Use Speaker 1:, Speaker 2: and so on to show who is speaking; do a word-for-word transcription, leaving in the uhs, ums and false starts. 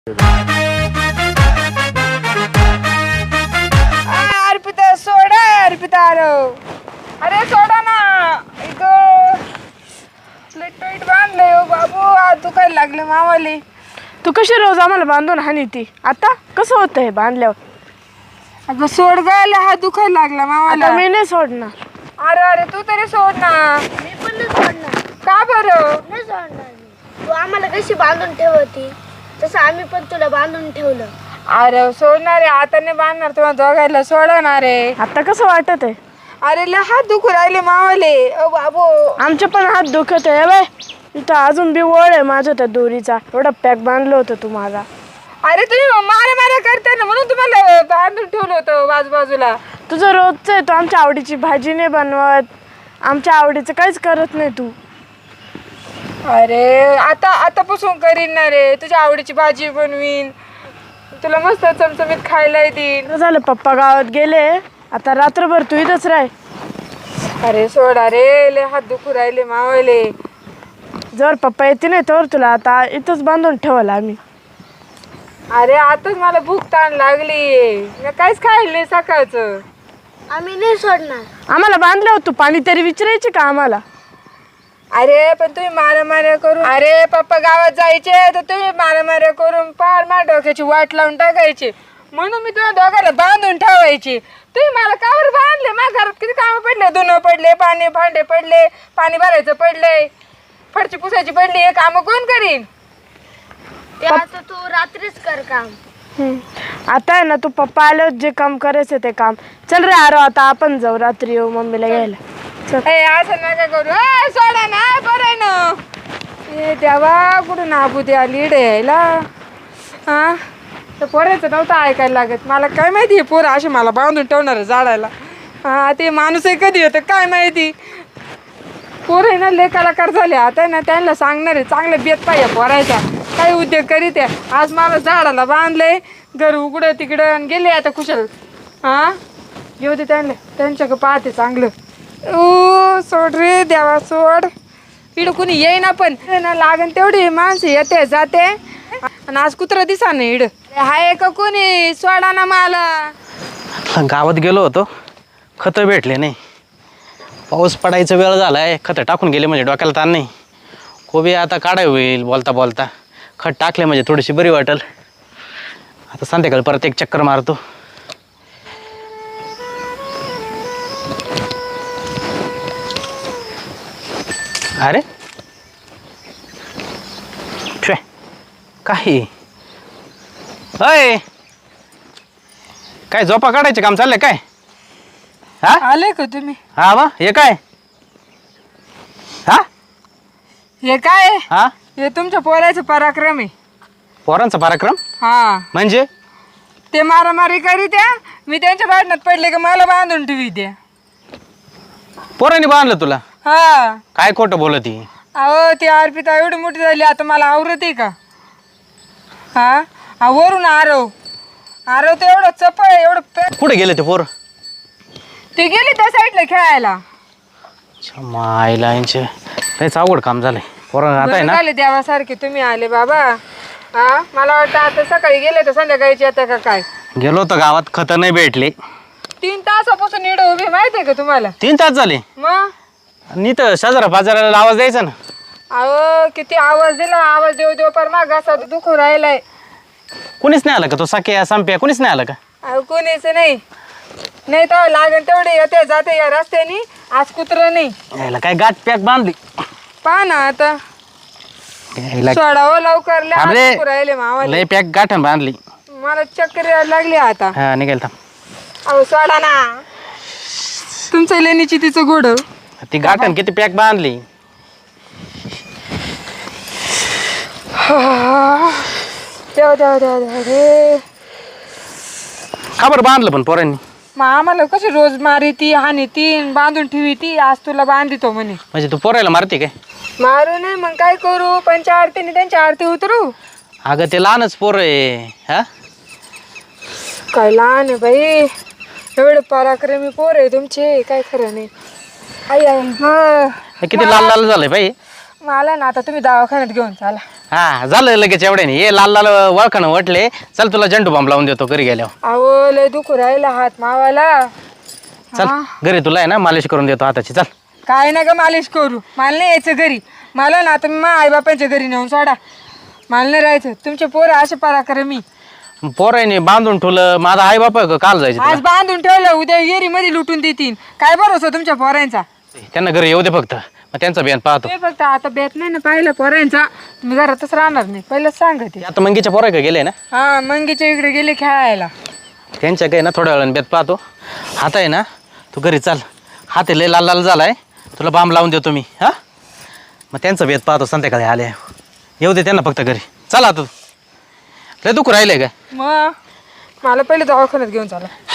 Speaker 1: अर्पिता सोडा अर्पिता अरे सोडा ना इथं टाईट बांधलंय हो बाबू आज दुखायला लागले मावाले.
Speaker 2: तू कशी रोज आम्हाला बांधून हानी ती आता कसं होतं हे बांधल्यावर?
Speaker 1: अगं सोड गायला हात दुखायला लागला मावाला.
Speaker 2: आता मी नाही सोडणार.
Speaker 1: अरे अरे तू तरी सोड ना.
Speaker 3: मी पण नाही सोडणार.
Speaker 1: का बरं?
Speaker 3: नाही सोडणार मी. तू आम्हाला कशी बांधून ठेवती तसं आम्ही पण तुला बांधून ठेवलं.
Speaker 1: अरे सोडणार आहे आता नाही बांधणार तुम्हाला दोघायला सोडणार आहे.
Speaker 2: आता कसं वाटत आहे?
Speaker 1: अरे लय हात दुखू राहिले मावाले ओ बाबू.
Speaker 2: आमचे पण हात दुखत आहे बाय. इथं अजून बी वळ आहे माझ्या त्या दोरीचा. एवढा पॅक बांधलं होतं तू माझा.
Speaker 1: अरे तुम्ही मारा मारा करता ना म्हणून तुम्हाला बांधून ठेवलं होतं बाजूबाजूला.
Speaker 2: तुझं रोजचं आहे. तू आमच्या आवडीची भाजी नाही बनवत. आमच्या आवडीचं काहीच करत नाही तू.
Speaker 1: अरे आता आतापासून करीन ना रे. तुझ्या आवडीची भाजी बनवीन. तुला मस्त चमचमीत खायला देईन.
Speaker 2: झालं पप्पा गावात गेले. आता रात्रभर तू इथंच राह.
Speaker 1: अरे सोडा रे लय हात दुखू राहिले मावले.
Speaker 2: जर पप्पा येते नाही तर तुला आता इथंच बांधून ठेवलं आम्ही.
Speaker 1: अरे आताच मला भूक ताण लागली. मी काहीच खायला नाही सकाळचं.
Speaker 3: आम्ही नाही सोडणार.
Speaker 2: आम्हाला बांधलं होतं पाणी तरी विचारायचे का आम्हाला?
Speaker 1: अरे पण तुम्ही मारा माऱ्या करून अरे पप्पा गावात जायचे तर तुम्ही मारा माऱ्या करून पार मा डोक्याची वाट लावून टाकायची. म्हणून मी तुला दोघांना बांधून ठेवायची. तुम्ही मला कावर बांधले? माझ्या घरात किती कामं पडले. धुणं पडले, पाणी भांडे पडले, पाणी भरायचं पडले, फरची पुसायची पडली. हे कामं कोण करीन?
Speaker 3: ते आता तू रात्रीच कर काम.
Speaker 2: आता आहे ना तू पप्पा आल्यावर जे काम करायचं ते काम. चल रे आरो आता आपण जाऊ रात्री येऊ मम्मीला घ्यायला. चल.
Speaker 1: ए असं नका करू. ए सोडा ना बरं आहे ना. ए देवा कुठून आबू द्या लीड यायला. हा तर पोरायचं नव्हतं ऐकायला लागत. मला काय माहिती आहे पोरं असे मला बांधून ठेवणार आहे झाडायला. हा ते माणूसही कधी होतं काय माहिती. पोरं आहे ना लय कलाकार झाले. आता ना त्यांना सांगणार आहे चांगलं बेत पाहिजे पोरायचा. काही उद्योग करीत आहे. आज मला झाडाला बांधलंय घर उघडं तिकडं आणि गेले आता कुशल. हा घेऊ दे त्यांना त्यांच्याकडे पाहते चांगलं. ओ सोड रे देवा सोड. इकडं कुणी येईना पण ना लागन तेवढी माणसं येते जाते. आणि आज कुत्रा दिसा नाही इड हाय का कोणी सोडा ना मला.
Speaker 4: गावात गेलो होतो खतं भेटले नाही. पाऊस पडायचा वेळ झाला आहे. खतं टाकून गेले म्हणजे डोक्याला ताण नाही. कोबी आता काढाय होईल बोलता बोलता. खत टाकले म्हणजे थोडीशी बरी वाटेल. आता संध्याकाळी परत एक चक्कर मारतो. अरे छे काही अय काय झोपा काढायचे काम चाललंय काय? हा
Speaker 1: आले का तुम्ही?
Speaker 4: हा वा हे काय? हा
Speaker 1: हे काय?
Speaker 4: हा
Speaker 1: हे तुमच्या पोराचं पराक्रम आहे.
Speaker 4: पोरांचा पराक्रम
Speaker 1: हा
Speaker 4: म्हणजे?
Speaker 1: ते मारामारी करीत आहे. मी त्यांच्या भांडणात पडले का मला बांधून ठेवी द्या.
Speaker 4: पोरांनी बांधलं तुला?
Speaker 1: हा
Speaker 4: काय खोटं बोलत ही?
Speaker 1: अहो ती अर्पिता एवढी मोठी झाली आता मला आवरत आहे का? हा हा वरून आरव आरव तर एवढं चपळ आहे एवढं पे-
Speaker 4: कुठे गेले ते पोर?
Speaker 1: ते गेली त्या साईडला खेळायला.
Speaker 4: मायला यांचे लयच अवघड काम झालंय. पोरं आता आहे ना
Speaker 1: झाले देवासारखे तुम्ही आले बाबा. हा मला वाटतं आता सकाळी गेले तर संध्याकाळीची आता का काय.
Speaker 4: गेलो होतो गावात खतं नाही भेटले.
Speaker 1: तीन तासापासून इड उभी माहिती आहे का तुम्हाला?
Speaker 4: तीन तास झाले.
Speaker 1: मग
Speaker 4: नी तर शेजारा पाजाराला आवाज द्यायचा ना.
Speaker 1: अहो किती आवाज दिला. आवाज देऊ देऊ पर मा घासा दुखू राहिलाय.
Speaker 4: कुणीच नाही आलं का? तो साक्या संप्या कुणीच नाही आलं का?
Speaker 1: अहो कोणीच नाही. नाही तर लागेल तेवढे येते जाते या रस्त्याने. आज कुत्र नाही.
Speaker 4: यायला काय गाठ पॅक बांधली.
Speaker 1: पहा ना आता
Speaker 4: यायला
Speaker 1: सोडावं लवकर लय हात
Speaker 4: अरे,
Speaker 1: दुखू राहिले मावाले.
Speaker 4: लय पॅक गाठण बांधली.
Speaker 1: मला चक्कर यायला लागली आता.
Speaker 4: हा निघाल थांब.
Speaker 1: अहो सोडा ना. तुमचं लेणीची तिचं गोड.
Speaker 4: ती गाठण किती पॅक बांधली.
Speaker 1: देवा देवा देवा देवा रे.
Speaker 4: का बरं बांधलं पण पोरांनी?
Speaker 1: मग आम्हाला कशी रोज मारी ती हानी ती बांधून ठेवी ती. आज तुला बांधितो म्हणे.
Speaker 4: म्हणजे तू पोरायला मारते काय?
Speaker 1: मारू नये मग काय करू. पंचा आरतीने त्यांची आरती उतरू.
Speaker 4: अगं ते लहानच पोर आहे. हा
Speaker 1: काय लहान आहे बाई. एवढे पराक्रमी पोर आहे तुमचे काय खरं नाही. आई आई
Speaker 4: हे किती लाल लाल झालंय बाई.
Speaker 1: मला ना आता तुम्ही दवाखान्यात घेऊन चाला.
Speaker 4: हा झालं लगेच एवढ्याने ये लाल लाल वळखानं वटले. चल तुला झंडू बॉम्ब लावून देतो घरी गेल्यावर.
Speaker 1: अहो लय दुखू राहिला हात मावाला.
Speaker 4: चल घरी तुला आहे ना मालिश करून देतो हाताची. चल
Speaker 1: काय ना ग मालिश करू, मला नाही यायचं घरी. मला ना आता मी आई बापांच्या घरी नेऊन सोडा, मला नाही राहायचं. तुमचे पोरं असे पराक्रमी मी
Speaker 4: पोराने बांधून ठेवलं. माझा आई बापा काल जायचं
Speaker 1: आज बांधून ठेवलं, उद्या येरी मध्ये लुटून देतील. काय भरोसा तुमच्या पोरांचा?
Speaker 4: त्यांना घरी येऊ दे फक्त, मग त्यांचा बियाण पाहतो.
Speaker 1: ते फक्त आता बेत नाही ना पाहिलं पोरांचा, तुम्ही घरातच राहणार नाही, पहिलंच सांगते.
Speaker 4: आता मंगीच्या पोरा का गेले ना,
Speaker 1: हा मंगीच्या इकडे गेले खेळायला.
Speaker 4: त्यांच्या काही ना थोड्या वेळाने बेत पाहतो. हात आहे ना, तू घरी चाल. हात आहे लय लाल लाल झालाय, तुला बांब लावून देतो मी. हा मग त्यांचा बेत पाहतो संध्याकाळी आले. येऊ दे त्यांना फक्त घरी. चला तू लय दुखू राहिलंय का?
Speaker 1: मग मला पहिले दवाखान्यात घेऊन चाला.